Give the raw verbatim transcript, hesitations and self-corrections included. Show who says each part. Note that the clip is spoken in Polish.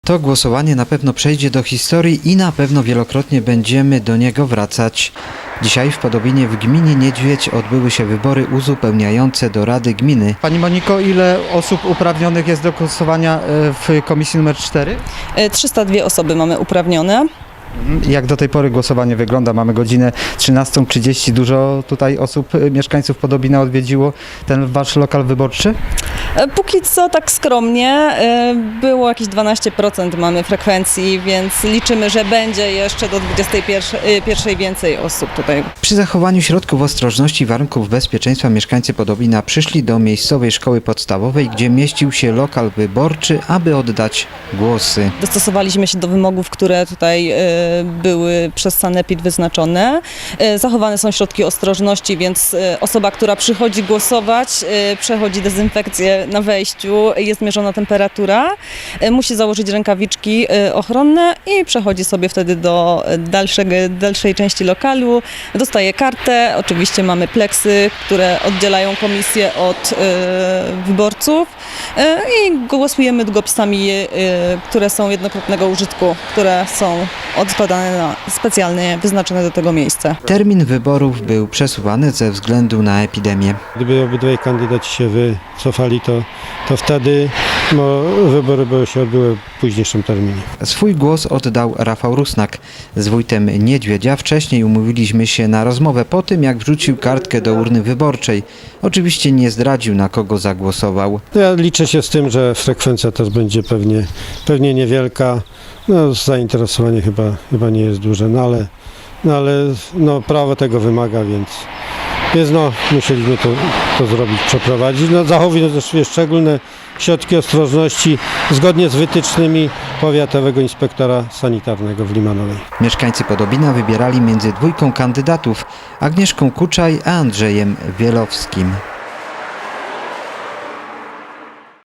Speaker 1: To głosowanie na pewno przejdzie do historii i na pewno wielokrotnie będziemy do niego wracać. Dzisiaj w Podobinie w gminie Niedźwiedź odbyły się wybory uzupełniające do Rady Gminy. Pani Moniko, ile osób uprawnionych jest do głosowania w komisji numer cztery?
Speaker 2: trzysta dwie osoby mamy uprawnione.
Speaker 1: Jak do tej pory głosowanie wygląda? Mamy godzinę trzynastą trzydzieści. Dużo tutaj osób, mieszkańców Podobina odwiedziło ten wasz lokal wyborczy?
Speaker 2: Póki co tak skromnie, było jakieś dwanaście procent mamy frekwencji, więc liczymy, że będzie jeszcze do dwudziestej pierwszej więcej osób tutaj.
Speaker 1: Przy zachowaniu środków ostrożności i warunków bezpieczeństwa mieszkańcy Podobina przyszli do miejscowej szkoły podstawowej, gdzie mieścił się lokal wyborczy, aby oddać głosy.
Speaker 2: Dostosowaliśmy się do wymogów, które tutaj były przez sanepid wyznaczone. Zachowane są środki ostrożności, więc osoba, która przychodzi głosować, przechodzi dezynfekcję na wejściu, jest mierzona temperatura, musi założyć rękawiczki ochronne i przechodzi sobie wtedy do dalszego, dalszej części lokalu. Dostaje kartę, oczywiście mamy pleksy, które oddzielają komisję od wyborców i głosujemy długopisami, które są jednokrotnego użytku, które są odkładane na specjalnie wyznaczone do tego miejsca.
Speaker 1: Termin wyborów był przesuwany ze względu na epidemię.
Speaker 3: Gdyby obydwaj kandydaci się wycofali, to, to wtedy no, wybory by się odbyły w późniejszym terminie.
Speaker 1: Swój głos oddał Rafał Rusnak. Z wójtem Niedźwiedzia wcześniej umówiliśmy się na rozmowę po tym, jak wrzucił kartkę do urny wyborczej. Oczywiście nie zdradził, na kogo zagłosował.
Speaker 3: Ja liczę się z tym, że frekwencja też będzie pewnie, pewnie niewielka. No, zainteresowanie chyba, chyba nie jest duże, no ale, no, ale no, prawo tego wymaga, więc, więc no, musieliśmy to, to zrobić, przeprowadzić. No, zachowując też szczególne środki ostrożności zgodnie z wytycznymi powiatowego inspektora sanitarnego w Limanowej.
Speaker 1: Mieszkańcy Podobina wybierali między dwójką kandydatów, Agnieszką Kuczaj a Andrzejem Wielowskim.